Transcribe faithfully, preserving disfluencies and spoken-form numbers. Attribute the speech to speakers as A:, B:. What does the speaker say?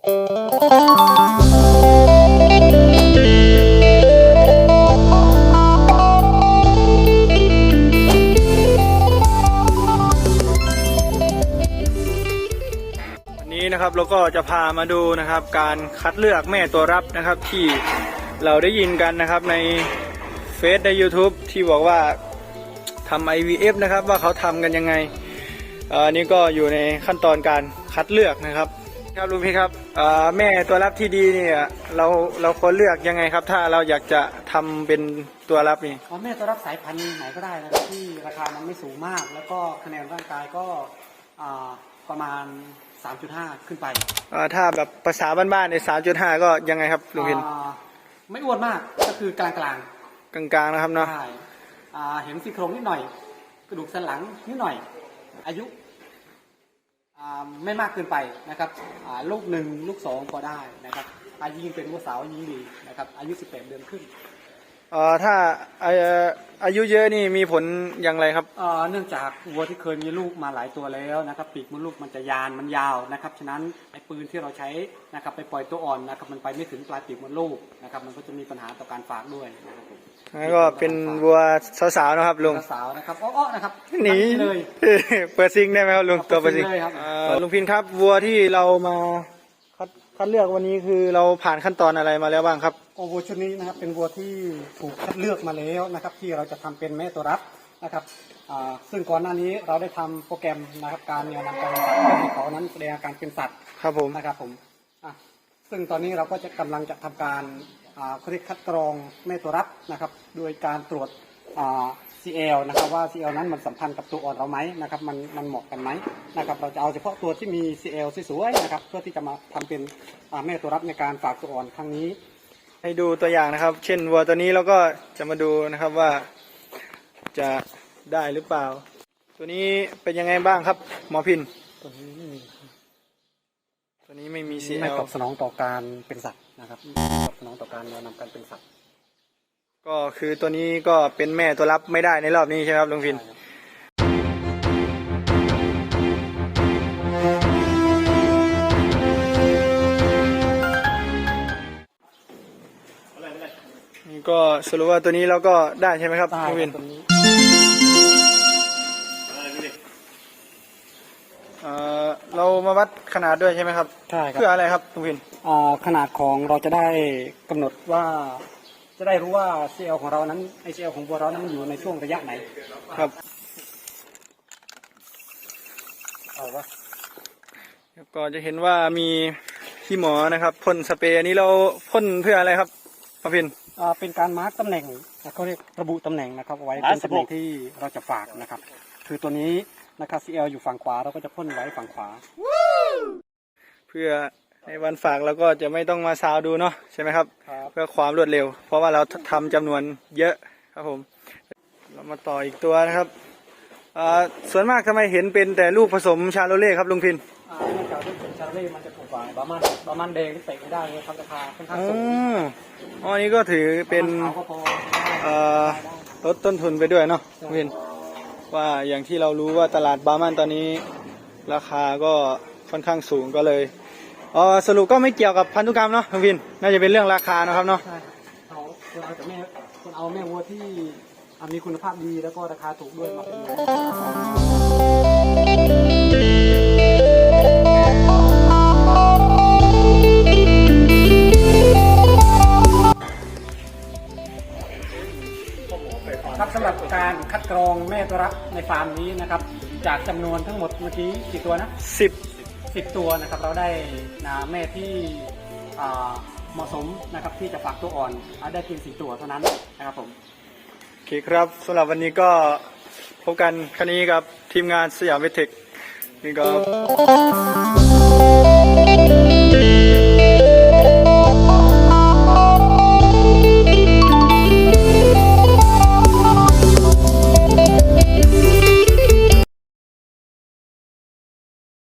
A: นะครับเราก็จะพามาดูนะครับการคัดเลือกแม่ตัวรับนะครับที่เราได้ยินกันนะครับในเฟซใน ยูทูบ ที่บอกว่าทำ ไอ วี เอฟ นะครับว่าเขาทำกันยังไงอันนี้ก็อยู่ในขั้นตอนการคัดเลือกนะครับครับลุงพี่ครับแม่ตัวรับที่ดีเนี่ยเราเราควรเลือกยังไงครับถ้าเราอยากจะทำเป็นตัวรับนี่
B: แม่ตัวรับสายพันธุ์ไหนก็ได้นะครับที่ราคามันไม่สูงมากแล้วก็คะแนนร่างกายก็ประมาณสามจุดห้า ขึ้นไป
A: ถ้าแบบภาษาบ้านๆใน สามจุดห้า ก็ยังไงครับลุงพิน
B: ไม่อ้วนมากก็คือกลางกลาง
A: กลางกลางนะครับเนาะ
B: ใช่เห็นซี่โครงนิดหน่อยกระดูกสันหลังนิดหน่อยอายุไม่มากเกินไปนะครับลูกหนึ่งลูกสองก็ได้นะครับอายุยิ่งเป็นวัวสาวยิ่งดีนะครับอายุสิบแปดเดือนขึ้น
A: ถ้าอายุเยอะนี่มีผลอย่างไรครับ
B: เนื่องจากวัวที่เคยมีลูกมาหลายตัวแล้วนะครับปีกมดลูกมันจะยานมันยาวนะครับฉะนั้นไอ้ปืนที่เราใช้นะครับไปปล่อยตัวอ่อนนะครับมันไปไม่ถึงปลายปีกมดลูกนะครับมันก็จะมีปัญหาต่อการฝากด้วยนะครับ
A: แล้วก็เป็นวัวสาวๆนะครับลุง
B: สาวนะครับอ้อๆนะครับ
A: หนีเลยเปิดซิงได้ไหมครับลุงตัวเปิดซิงลุงพินครับวัวที่เรามาคัดคัดเลือกวันนี้คือเราผ่านขั้นตอนอะไรมาแล้วบ้างครับ
B: โอ้วัวชุดนี้นะครับเป็นวัวที่ถูกคัดเลือกมาแล้วนะครับที่เราจะทำเป็นแม่ตัวรับนะครับซึ่งก่อนหน้านี้เราได้ทำโปรแกรมนะครับการเนี่ยนำการสัตว์ให้เขานั้นแสดงอาการเป็นสัตว์
A: ครับผม
B: นะครับผมซึ่งตอนนี้เราก็จะกำลังจะทำการเขาเรียกคัดกรองแม่ตัวรับนะครับโดยการตรวจ ซี แอล นะครับว่า ซี แอล นั้นมันสัมพันธ์กับตัวอ่อนเราไหมนะครับมันมันเหมาะกันไหมนะครับเราจะเอาเฉพาะตัวที่มี ซี แอล สวยๆนะครับเพื่อที่จะมาทำเป็นแม่ตัวรับในการฝากตัวอ่อนครั้งนี้
A: ให้ดูตัวอย่างนะครับเช่นวัวตัวนี้เราก็จะมาดูนะครับว่าจะได้หรือเปล่าตัวนี้เป็นยังไงบ้างครับหมอพิน
B: ตัวนี้
A: ตัวนี้ไม่มี ซี แอล
B: ไม่ตอบสนองต่อการเป็นสัตว์นะครับตอบสนองต่อการนำการเป็นสัตว์
A: ก็คือตัวนี้ก็เป็นแม่ตัวรับไม่ได้ในรอบนี้ใช่ไหมครับลุงพินนี่ก็สรุปว่าตัวนี้เราก็ได้ใช่ไหมครับลุงพินเรามาวัดขนาดด้วยใช่ไหมครับ
B: ใช่ครับ
A: เพื่ออะไรครับลุงพิน
B: ขนาดของเราจะได้กำหนดว่าจะได้รู้ว่า ซี แอล ของเรานั้นไอ ซี แอล ของวัวเรานั้นอยู่ในช่วงระยะไหน
A: ครับ
B: เอาวะ
A: ก็จะเห็นว่ามีพี่หมอนะครับพ่นสเปรย์นี้เราพ่นเพื่ออะไรครับหมอพิน
B: เป็นการมาร์กตำแหน่งเขาเรียกระบุตำแหน่งนะครับไว้เป็นตำแหน่งที่เราจะฝากนะครับคือตัวนี้นะครับ ซี แอล อยู่ฝั่งขวาเราก็จะพ่นไว้ฝั่งขวา
A: เพื่อในวันฝากเราก็จะไม่ต้องมาซาวดูเนาะใช่ไหมครับเพื่อความรวดเร็วเพราะว่าเราทำจำนวนเยอะครับผมเรามาต่ออีกตัวนะครับส่วนมากทำไมเห็นเป็นแต่ลูกผสมชาโลเล่ครับลุงพิน
B: เนื่องจากลูกผสมชาโลเล่มันจะถูกกว่าบามันบามันแดงที่เตะไม่ได้เลยครับราคาค่อนข้างสูง
A: อ๋ออันนี้ก็ถือเป็นลดต้นทุนไปด้วยเนาะลุงพินว่าอย่างที่เรารู้ว่าตลาดบามันตอนนี้ราคาก็ค่อนข้างสูงก็เลยอ๋อสรุปก็ไม่เกี่ยวกับพันธุกรรมเนาะลุงพินน่าจะเป็นเรื่องราคานะครับเนาะ
B: ใช่เขาเอาแต่แม่คนเอาแม่วัวที่มีคุณภาพดีแล้วก็ราคาถูกด้วยมาเป็นครับสำหรับการคัดกรองแม่ตัวรับในฟาร์มนี้นะครับจากจำนวนทั้งหมดเมื่อกี้กี่ตัวนะ
A: สิบ
B: สิบตัวนะครับเราได้นะแม่ที่เหมาะสมนะครับที่จะฝากตัวอ่อนได้เพียงสี่ตัวเท่านั้นนะครับผม
A: โอเคครับสำหรับวันนี้ก็พบกันครั้งนี้กับทีมงานสยามเวทเทคนี่ก็